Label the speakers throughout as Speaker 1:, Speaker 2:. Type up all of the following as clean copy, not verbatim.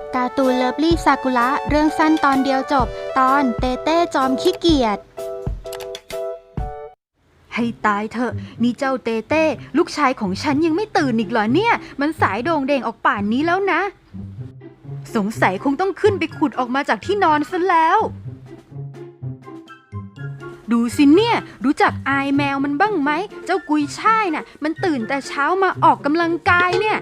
Speaker 1: การ์ตูนเลิฟลี่ซากุระเรื่องสั้นตอนเดียวจบตอนเต้เต้จอมขี้เกียจให้ตายเถอะนี่เจ้าเต้เต้ลูกชายของฉันยังไม่ตื่นอีกเหรอเนี่ยมันสายโด่งเด่งออกป่านนี้แล้วนะสงสัยคงต้องขึ้นไปขุดออกมาจากที่นอนซะแล้วดูสิเนี่ยรู้จักอายแมวมันบ้างไหมเจ้ากุยช่ายน่ะมันตื่นแต่เช้ามาออกกำลังกายเนี่ย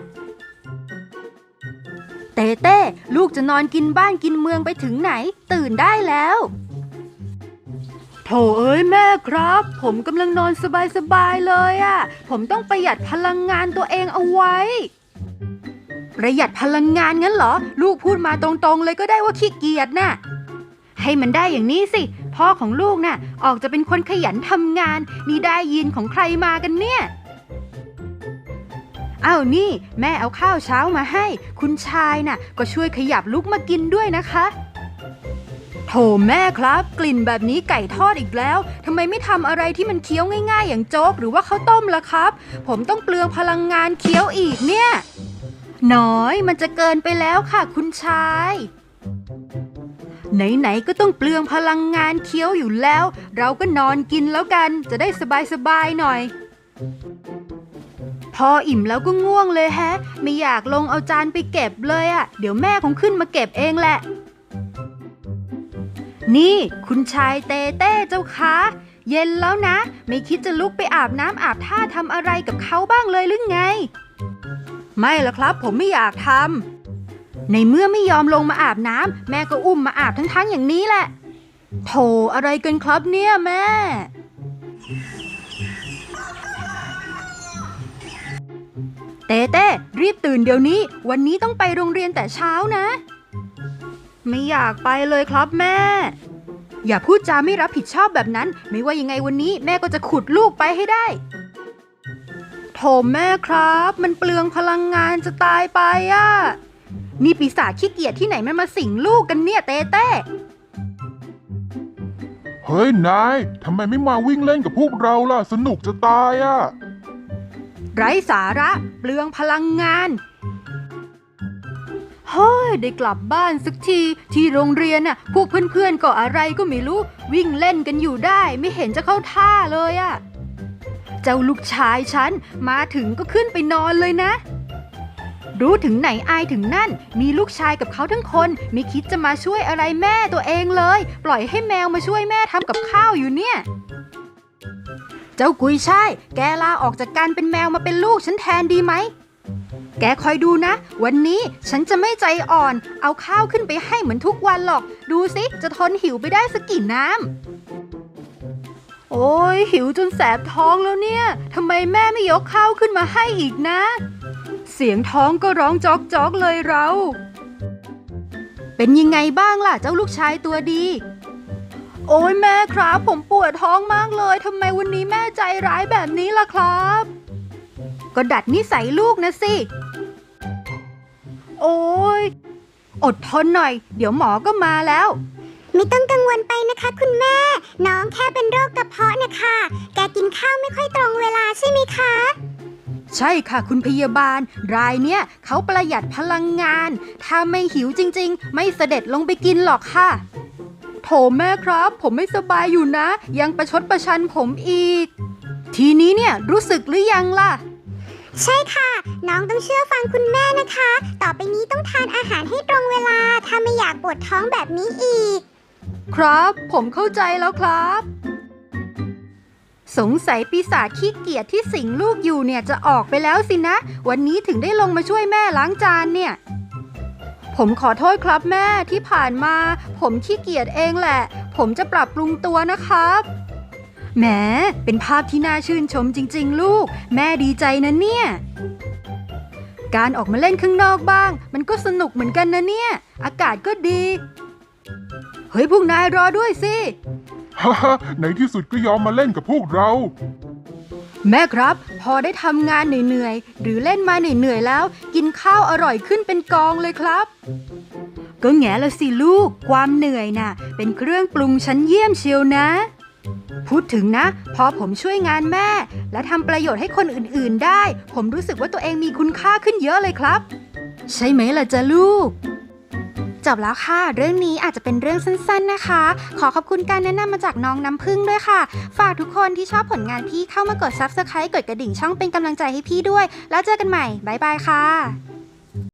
Speaker 1: เต้เต้ลูกจะนอนกินบ้านกินเมืองไปถึงไหนตื่นได้แล้วโถเอ้ยแม่ครับผมกำลังนอนสบายๆเลยอะผมต้องประหยัดพลังงานตัวเองเอาไว้ประหยัดพลังงานงั้นเหรอลูกพูดมาตรงๆเลยก็ได้ว่าขี้เกียจน่ะให้มันได้อย่างนี้สิพ่อของลูกน่ะออกจะเป็นคนขยันทำงานนี่ได้ยินของใครมากันเนี่ยอ้าวนี่แม่เอาข้าวเช้ามาให้คุณชายน่ะก็ช่วยขยับลุกมากินด้วยนะคะโถแม่ครับกลิ่นแบบนี้ไก่ทอดอีกแล้วทำไมไม่ทำอะไรที่มันเคี้ยวง่ายๆอย่างโจ๊กหรือว่าข้าวต้มล่ะครับผมต้องเปลืองพลังงานเคี้ยวอีกเนี่ยน้อยมันจะเกินไปแล้วค่ะคุณชายไหนๆก็ต้องเปลืองพลังงานเคี้ยวอยู่แล้วเราก็นอนกินแล้วกันจะได้สบายๆหน่อยพออิ่มแล้วก็ง่วงเลยแฮะไม่อยากลงเอาจานไปเก็บเลยอะเดี๋ยวแม่คงขึ้นมาเก็บเองแหละนี่คุณชายเต้เต้เจ้าคะเย็นแล้วนะไม่คิดจะลุกไปอาบน้ำอาบท่าทำอะไรกับเขาบ้างเลยหรือไงไม่ละครับผมไม่อยากทำในเมื่อไม่ยอมลงมาอาบน้ำแม่ก็อุ้มมาอาบทั้งอย่างนี้แหละโถอะไรกันครับเนี่ยแม่เต้เต้รีบตื่นเดี๋ยวนี้วันนี้ต้องไปโรงเรียนแต่เช้านะไม่อยากไปเลยครับแม่อย่าพูดจาไม่รับผิดชอบแบบนั้นไม่ว่ายังไงวันนี้แม่ก็จะขุดลูกไปให้ได้โถแม่ครับมันเปลืองพลังงานจะตายไปอ่ะนี่ปีศาจขี้เกียจที่ไหนมันมาสิงลูกกันเนี่ยเต้เต้
Speaker 2: เฮ้ยนายทำไมไม่มาวิ่งเล่นกับพวกเราล่ะสนุกจะตายอ่ะ
Speaker 1: ไร้สาระเปลืองพลังงานเฮ้ยได้กลับบ้านสักทีที่โรงเรียนน่ะพวกเพื่อนๆก็อะไรก็ไม่รู้วิ่งเล่นกันอยู่ได้ไม่เห็นจะเข้าท่าเลยอ่ะเจ้าลูกชายฉันมาถึงก็ขึ้นไปนอนเลยนะรู้ถึงไหนอายถึงนั่นมีลูกชายกับเขาทั้งคนไม่คิดจะมาช่วยอะไรแม่ตัวเองเลยปล่อยให้แมวมาช่วยแม่ทำกับข้าวอยู่เนี่ยเจ้ากุยช่ายแกลาออกจากการเป็นแมวมาเป็นลูกฉันแทนดีไหมแกคอยดูนะวันนี้ฉันจะไม่ใจอ่อนเอาข้าวขึ้นไปให้เหมือนทุกวันหรอกดูสิจะทนหิวไปได้สักกี่น้ำโอ้ยหิวจนแสบท้องแล้วเนี่ยทำไมแม่ไม่ยกข้าวขึ้นมาให้อีกนะเสียงท้องก็ร้องจ๊อกจ๊อกเลยเราเป็นยังไงบ้างล่ะเจ้าลูกชายตัวดีโอ้ยแม่ครับผมปวดท้องมากเลยทำไมวันนี้แม่ใจร้ายแบบนี้ล่ะครับก็ดัดนิสัยลูกนะสิโอ้ยอดทนหน่อยเดี๋ยวหมอก็มาแล้ว
Speaker 3: ไม่ต้องกังวลไปนะคะคุณแม่น้องแค่เป็นโรคกระเพาะนะคะแกกินข้าวไม่ค่อยตรงเวลาใช่ไหมคะ
Speaker 1: ใช่ค่ะคุณพยาบาลรายเนี้ยเขาประหยัดพลังงานถ้าไม่หิวจริงๆไม่เสด็จลงไปกินหรอกค่ะโถแม่ครับผมไม่สบายอยู่นะยังประชดประชันผมอีกทีนี้เนี่ยรู้สึกหรือยังล่ะ
Speaker 3: ใช่ค่ะน้องต้องเชื่อฟังคุณแม่นะคะต่อไปนี้ต้องทานอาหารให้ตรงเวลาถ้าไม่อยากปวดท้องแบบนี้อีก
Speaker 1: ครับผมเข้าใจแล้วครับสงสัยปีศาจขี้เกียจที่สิงลูกอยู่เนี่ยจะออกไปแล้วสินะวันนี้ถึงได้ลงมาช่วยแม่ล้างจานเนี่ยผมขอโทษครับแม่ที่ผ่านมาผมขี้เกียจเองแหละผมจะปรับปรุงตัวนะครับแหมเป็นภาพที่น่าชื่นชมจริงๆลูกแม่ดีใจนะเนี่ยการออกมาเล่นข้างนอกบ้างมันก็สนุกเหมือนกันนะเนี่ยอากาศก็ดีเฮ้ยพวกนายรอด้วยสิ
Speaker 2: ฮ่าฮ่าในที่สุดก็ยอมมาเล่นกับพวกเรา
Speaker 1: แม่ครับพอได้ทำงานเหนื่อยๆหรือเล่นมาเหนื่อยๆแล้วกินข้าวอร่อยขึ้นเป็นกองเลยครับก็แง่ละสิลูกความเหนื่อยน่ะเป็นเครื่องปรุงชั้นเยี่ยมเชียวนะพูดถึงนะพอผมช่วยงานแม่และทำประโยชน์ให้คนอื่นๆได้ผมรู้สึกว่าตัวเองมีคุณค่าขึ้นเยอะเลยครับใช่ไหมล่ะจ๊ะลูกจบแล้วค่ะเรื่องนี้อาจจะเป็นเรื่องสั้นๆนะคะขอขอบคุณการแนะนำมาจากน้องน้ำพึ่งด้วยค่ะฝากทุกคนที่ชอบผลงานพี่เข้ามากด Subscribe กดกระดิ่งช่องเป็นกำลังใจให้พี่ด้วยแล้วเจอกันใหม่บ๊ายบายค่ะ